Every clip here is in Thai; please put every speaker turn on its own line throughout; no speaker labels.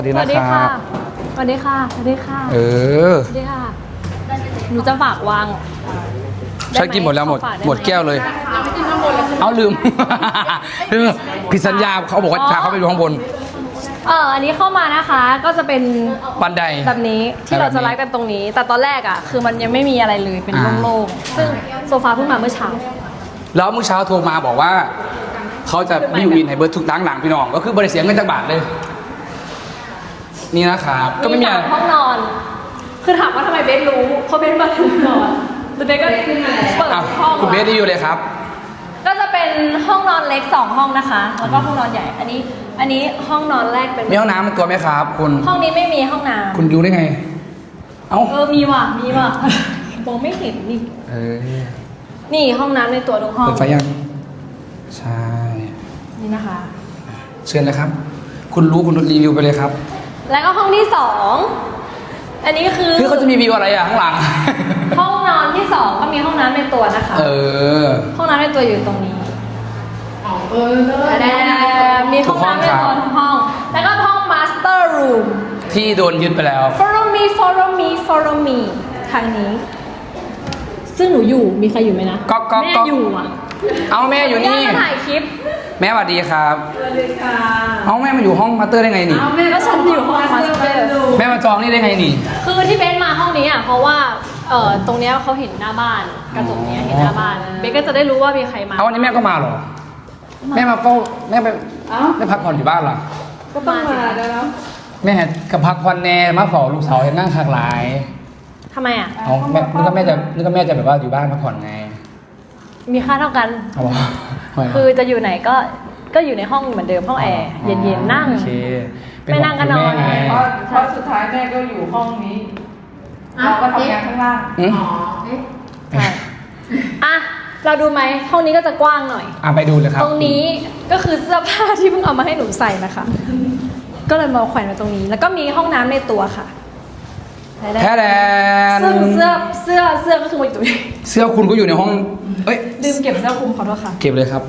สวัสดีนะครับ
สวัสดีค่ะสวัสดีค่ะ
สวั
สวัสดีค่ะหนูจะฝากวาง
ใช้กินหมดแล้วหมดแก้วเลย เอาลืม ลืมผิดสัญญาเขาบอกว่าพาเขาไปดูข้างบน
อันนี้เข้ามานะคะก็จะเป็น
บันได
แบบนี้ที่เราจะไลฟ์กันตรงนี้ แต่ตอนแรกอ่ะคือมันยังไม่มีอะไรเลยเป็นโล่งๆซึ่งโซฟาเพิ่งมาเมื่อเช้า
แล้วเมื่อเช้าโทรมาบอกว่าเขาจะบิวอินให้เบิร์ดทุกหลังพี่น้องก็คือบริเสียเงินจากบาทเลย นี่นะครับก็ไม่มี
3 ห้องนอน คือถามว่าทำไมเบสรู้เพราะเบสมาถึงก่อนแล้วเบสก็เปิดห้อง
คุณเบสได้อยู่เลยครับ
ก็จะเป็นห้องนอนเล็ก2 ห้องนะคะ แล้วก็ห้องนอนใหญ่ อันนี้ห้องนอนแรกเป็น
มีห้องน้ำเป็นตัวไหมครับคุณ
ห้องนี้ไม่มีห้องน้ำ
คุณดูได้ไง เอ้า
มีว่ะมองไม่เห็นนี่ นี่ห้องน้ำในตัวทุกห้อง
เปิดไฟยังใช่
นี่นะคะ
เชิญเลยครับ คุณรู้คุณรีวิวไปเลยครับ
แล้วก็ห้องที่2อันนี้คือ
เขาจะมีวิวอะไรอ่ะข้างหลัง
ห้องนอนที่2ก็มีห้องน้ำในตัวนะคะห้องน้ำในตัวอยู่ตรงนี้มีห้องน้ำในตัวทุกห้อง แล้วก็ห้อง master room
ที่โดนยึดไปแล้ว
follow me ทางนี้ ซึ่งหนูอยู่มีใครอยู่ไหมนะ
ก็
แม่อยู่อ่ะ
เอาแม่อยู่นี่
มาถ่ายคลิป
แม่สวัสดีครับ
สวัสดีค่ะ
เอาแม่มาอยู่ห้องมาสเตอร์ได้ไงนี่
ก็ฉันอยู่ห้อง master
แม่มาจองนี่ได้ไงนี่
คือที่เบนมาห้องนี้อ่ะเพราะว่าตรงเนี้ยเขาเห็นหน้าบ้านกระจกเนี้ยเห็นหน้าบ้านเบนก็จะได้รู้ว่ามีใครมา
เอาวันนี้แม่ก็มาเหรอ แม่มาเฝ้าแม่ไปไม่พักผ่อนอยู่บ้านเหรอ
ก็ต้องมาแล้ว
แม่กับพักผ่อนแน่มาเฝ้าลูกสาวเห็นนั่งขากหลาย
ทำไมอ่ะ
เอาแม่นึกว่าแม่จะแบบว่าอยู่บ้านพักผ่อนไง
มีค่าเท่ากัน
เอาวะ
คือจะอยู่ไหนก็อยู่ในห้องเหมือนเดิมห้องแอร์เย็นๆนั่ง
โอเค
ไม่นั่งก็นอน
เป็ห่วงคุณแม่ไง
เพราะสุดท้ายแม่ก็อยู่ห้องนี้ เราก็ทำงานข้างล่าง
อืม
ใช่อ่ะเราดูไหมห้องนี้ก็จะกว้างหน่อย
ไปดูเลยครับ
ตรงนี้ก็คือเสื้อผ้าที่เพิ่งเอามาให้หนูใส่นะคะ ก็เลยมาแขวนไว้ตรงนี้ แล้วก็มีห้องน้ำในตัวค่ะ
แท้แดน
ซึ่งเสื้อก็คือมาอยู่ตรงนี้
เสื้อคุณก็อยู่ในห้อง เอ้ย
ลืมเก็บเสื้อคลุมขอโทษค่ะ
เก็บเลยครับ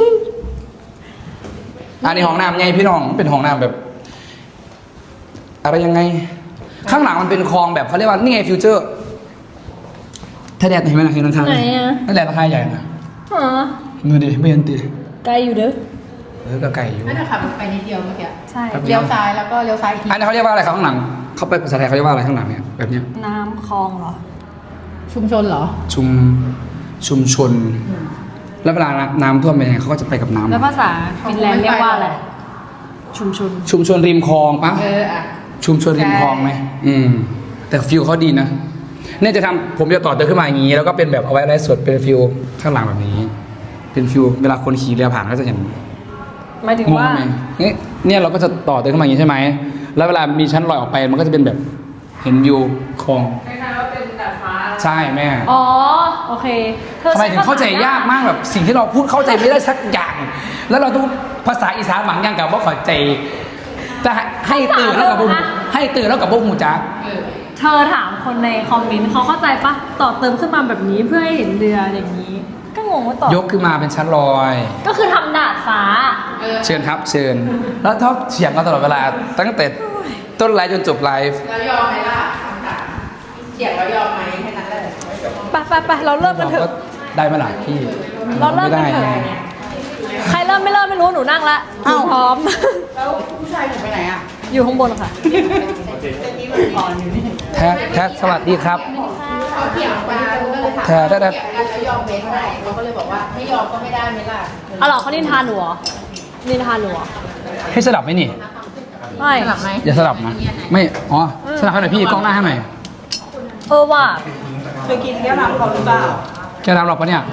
อันนี้ห้องน้ำไงพี่น้องเป็นห้องน้ำแบบ อะไรยังไง ข้างหลังมันเป็นคลองแบบเขาเรียกว่านี่ไงฟิวเจอร์ถ้าแดดเห็นไหมนะเห็นราคา
ไหนอะ
นั่นแหละราคาใหญ่นะ
อ๋อ
มือดิไม่เห็นตี
ไกลอยู่เด้อ
ก็ไก่อยู่
น่าจะขับไปนิดเดียวเมื่อกี้
ใช่
เลี้ยวซ้ายแล้วก็เลี้ยวซ้ายอีกที
อันนี้เขาเรียกว่าอะไรครับข้างหลังเขาไปภาษาไทยเขาเรียกว่าอะไรข้างหลังเนี่ยแบบเนี้ย
น้ำคลองเหรอ
ชุมชนเหรอ
ชุมชน แล้วเวลาน้ำท่วมเป็นยังไงเขาก็จะไปกับน้ำ
แล้วภาษาฟินแลนด์เรียกว่าอะไร ชุมชน
ชุมชนริมคลองปะ
อ่ะ
ชุมชนริมคลองไหมแต่ฟิลเขาดีนะเนี่ยจะทำผมจะต่อเติมขึ้นมาอย่างนี้ แล้วก็เป็นแบบเอาไว้ไลฟ์สดเป็นฟิลข้างหลังแบบนี้ เป็นฟิลเวลาคนขี่เรือผ่านก็จะเห็น
หมายถึง
งง
ว่า
ไหมเนี่ยเราก็จะต่อเติมขึ้นมาอย่างนี้ใช่ไหมแล้วเวลามีชั้นลอยออกไปมันก็จะเป็นแบบเห็นวิวคลอง
คล้ายๆว่าเป็นดาดฟ้า
ใช่แม่
อ๋อ โอเคธอ
ทำไมถึงเข้าใจยากมากแบบสิ่งที่เราพูดเข้าใจไม่ได้สักอย่าง แล้วเราต้องภาษาอีสานบางอย่างกับว่าเข้าใจจะให้ตื่นแล้วกับบุ้มให้ตื่นแล้วกับบุ้มหูจัก
เธอถามคนในคอมเมนต์เขาเข้าใจปะต่อเติมขึ้นมาแบบนี้เพื่อให้เห็นเรืออย่างนี้ ก็งงว่าต่อย
กขึ้นมาเป็นชั้นลอย
ก็คือทำดาดฟ้า
เชิญครับเชิญ แล้วชอบเถียงกันตลอดเวลาตั้งแต่ต้นไลฟ์จนจบไลฟ์
แล้วยอมไหมล่ะเสียงแล้วยอมไหมแค่นั้นแหละ
ไปเราเริ่มกันเถ
ก็
อะ
ได้ไหมล่ะพี่
เราเริ่มกันเถอะ
ไได้ไง
ใครเริ่มไม่เริ่มไม่รู้หนูนั่งละหนูพร้อม
แล้วผู้ชายหนูไปไหนอ่ะ
อยู่ข้างบนค่ะ
นี่มันอ่อนอยู่นี่
แท้สวัสดีครับ
เขาเถียงกันก็เลยถาม
แท้
เถียงกันแล้วยอมเบสไหมเขาก็เลยบอกว่าไม่ยอมก็ไม่ได้ไหมล่ะ
เอาเหรอเขานินทาหนูเหรอนินทาหนูเหรอ
ให้สลับไหมนี่
ไม่
สลับไหม
อย่าสลับนะ ไม่ อ๋อ สลับให้หน่อยพี่กล้องหน้าให้หน่อย
ว่ะ
เคยกินแก้วน้ำเขาหรือเปล่า
แกรำหรอกปะเนี่ย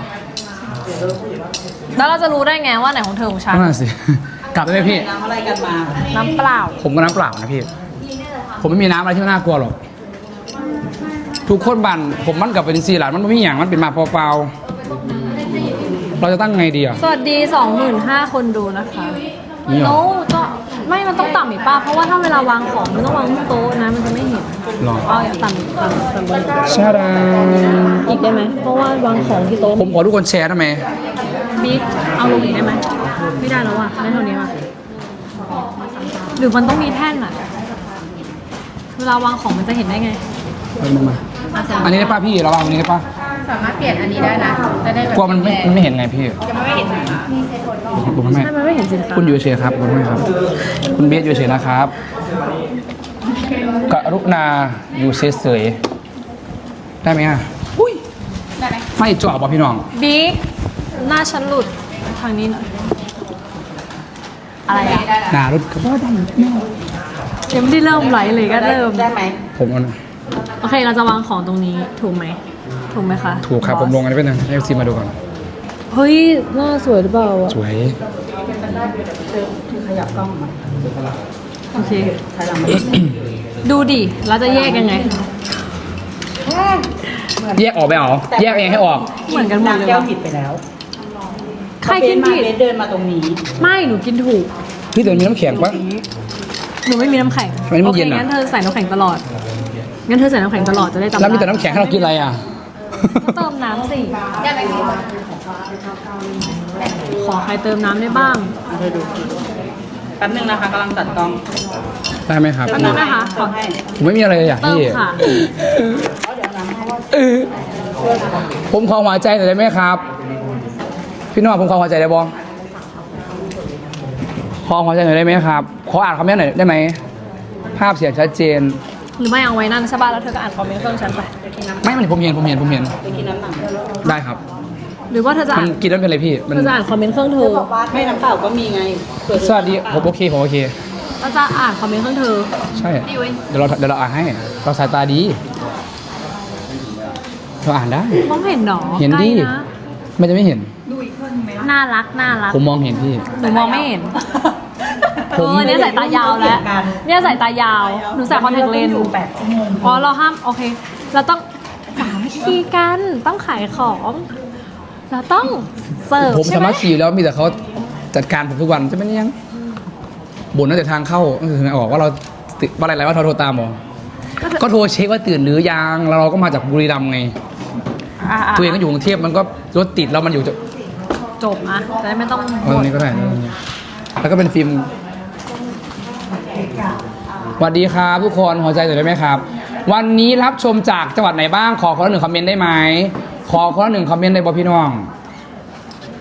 แล้วเราจะรู้ได้ไงว่าไหนของเธอของฉัน
นั่นนะสิ กลับได้ไหมพี่
น้ำอะไรกันมา
น้ำเปล่า
ผมก็น้ำเปล่านะพี่ ผมไม่มีน้ำอะไรที่น่ากลัวหรอก ทุกคนบันผมมันกลับเป็นซีหลานมันไม่มีอย่างมันเป็นมาเปล่าๆเราจะตั้งไงดีอ่ะ
สวัสดี 25,000 คนดูนะคะ
นี่เหรอ
โน้ก็ไม่มันต้องต่ำอีกป่ะ เพราะว่าถ้าเวลาวางของมันต้องวางที่โต๊ะนะมันจะไม่เห็น
หรอ
เอาอย่างต่ำอีกต่ำบน
ชาดา
อีกได้ไหม เพราะว่าวางของที่โต๊ะ
ผมขอทุกคนแชร์ได้ไหม
บิ๊กเอาลงอีกได้ไหม ไม่ได้แล้วอ่ะได้เท่านี้ว่ะหรือมันต้องมีแท่นอ่ะเวลาวางของมันจะเห็นได้ไง
เอามันมาอันนี้ได้ป่ะพี่เราวางตรงนี้ได้ป่ะ
สามารถเปลี่ยนอันนี้ได้นะ จะได้แบบ
กลัวมันไม่เห็นไงพี่
จะไม่เห็น
บุญแม่
ใช่มันไม่เห็นสินค้า
คุณอยู่เฉยๆครับบุญแม่ครับ คุณเบสอยู่เฉยๆนะครับกรุณาอยู่เฉยๆได้ไหมอ่ะ
ได้ไหม
ไม่จ่อป่ะพี่น้อง
บิ๊กหน้าฉันหลุดทางนี้หน่อยอะไรอะ
หนารถก็ว่าได้
ยังไม่ได้เริ่มไลฟ์เลยก็เริ่ม
ได้ไหม
ผมเอานะ
โอเคเราจะวางของตรงนี้ถูกไหมถูกไหมคะ
ถูกครับผมลงอันนี้ไปหนึ่งให้ซีมาดูก่อน
เฮ้ยหน้าสวยหรือเปล่าอะ
สวย
ขยับกล้องมา
โอเค
ถอยหลังมา
ดูดิเราจะแยกยังไง
แยกออกไปเหรอแยกเองให้ออก
เหมือนกันหมดเลย
แก้ว
วะ
ผิดไปแล้ว
ใครกินผิด
เบสเดินมาตรงนี้
ไม่หนูกินถูก
พี่ตัวมีน้ำแข็งปะ
หนูไม่มีน้ำแข็ง
ทำไมไม่
โอเค
เย็นอะ
งั้นเธอใส่น้ำแข็งตลอดงั้นเธอใส่น้ำแข็งตลอดจะได้จำ
แล้วมีแต่
ได้
น้ำแข็งให้เรากินอะไรอ่ะ
ก็เติมน้ำสิขอใครเติมน้ำได้บ้าง
เธอดูแป๊บนึงนะคะกำลังจัดกล้อง
ได้ไหมครับ
แป๊บนึงนะคะ
ขอให้
ผมไม่มีอะไรเลยอยาก
เติม
พี่
ค่ะ
ผมขอหัวใจหน่อยได้ไหมครับ พี่น้องผมขอหัวใจได้บ้องขอหัวใจหน่อยได้ไหมครับ ขออ่านคอมเมนต์หน่อยได้ไหม ภาพเสียงชัดเจน
หรือไม่เอาไว้นั่นใช่ป่ะแล้วเธอก็อ่านคอมเมนต์เครื่องฉันไป
ไม่มันผมเห็น
ไปกินน้ำหนัก
ได้ครับ
หรือว่าเธอจะ
มั
อ่าน น
กินแล้วเป็นอะไรพี่ มัน
เธอจะอ่านคอมเมนต์เครื่องเธอ
ไม่น้ำเปล่าก็มีไงเผื่อเธอ
สวัสดีผมโอเคผมโอเค
เราจะอ่านคอมเมนต์เครื่องเธอ
ใช่ เดี๋ยวเราอ่านให้ เราสายตาดี เราอ่านได้
มองเห็นหรอ
เห็นดิ
ใกล้นะ
ไม่จะไม่เห็น
น่ารักน่ารัก
ผมมองเห็นพี่
หนูมองไม่เห็น
ผม
เนี่ยสายตายาวแล้ว เนี่ยสายตายาว หนูใส่คอนแทคเลนส์
อยู่8 ชั่วโมง
อ๋อเราห้ามโอเค เราต้องสามัคคีกันต้องขายของ เราต้องเสิร์ฟ
ผม
ใช่
สา
ไหม
มารถขี่แล้วมีแต่เขาจัดการผมทุกวันจะไม่ได้ยังบ่นตั้งแต่ทางเข้าก็คือออกว่าเราติดว่าอะไรว่าโทรตามหรอก็โทรเช็คว่าตื่นหรือยังแล้วเราก็มาจากบุรีรัมย์ไง ตัวเองก็อยู่กรุงเทพมันก็รถติดแล้วมันอยู่จะ
จบอ่ะจะได้ไม่ต้อง
เอาตรงนี้ก็ได้นะแล้วก็เป็นฟิล์มสวัสดีครับทุกคนหัวใจหน่อยได้ไหมครับ วันนี้รับชมจากจังหวัดไหนบ้างขอคนละ1 คอมเมนต์ได้ไหมขอคนละ1 คอมเมนต์ได้บ่พี่น้อง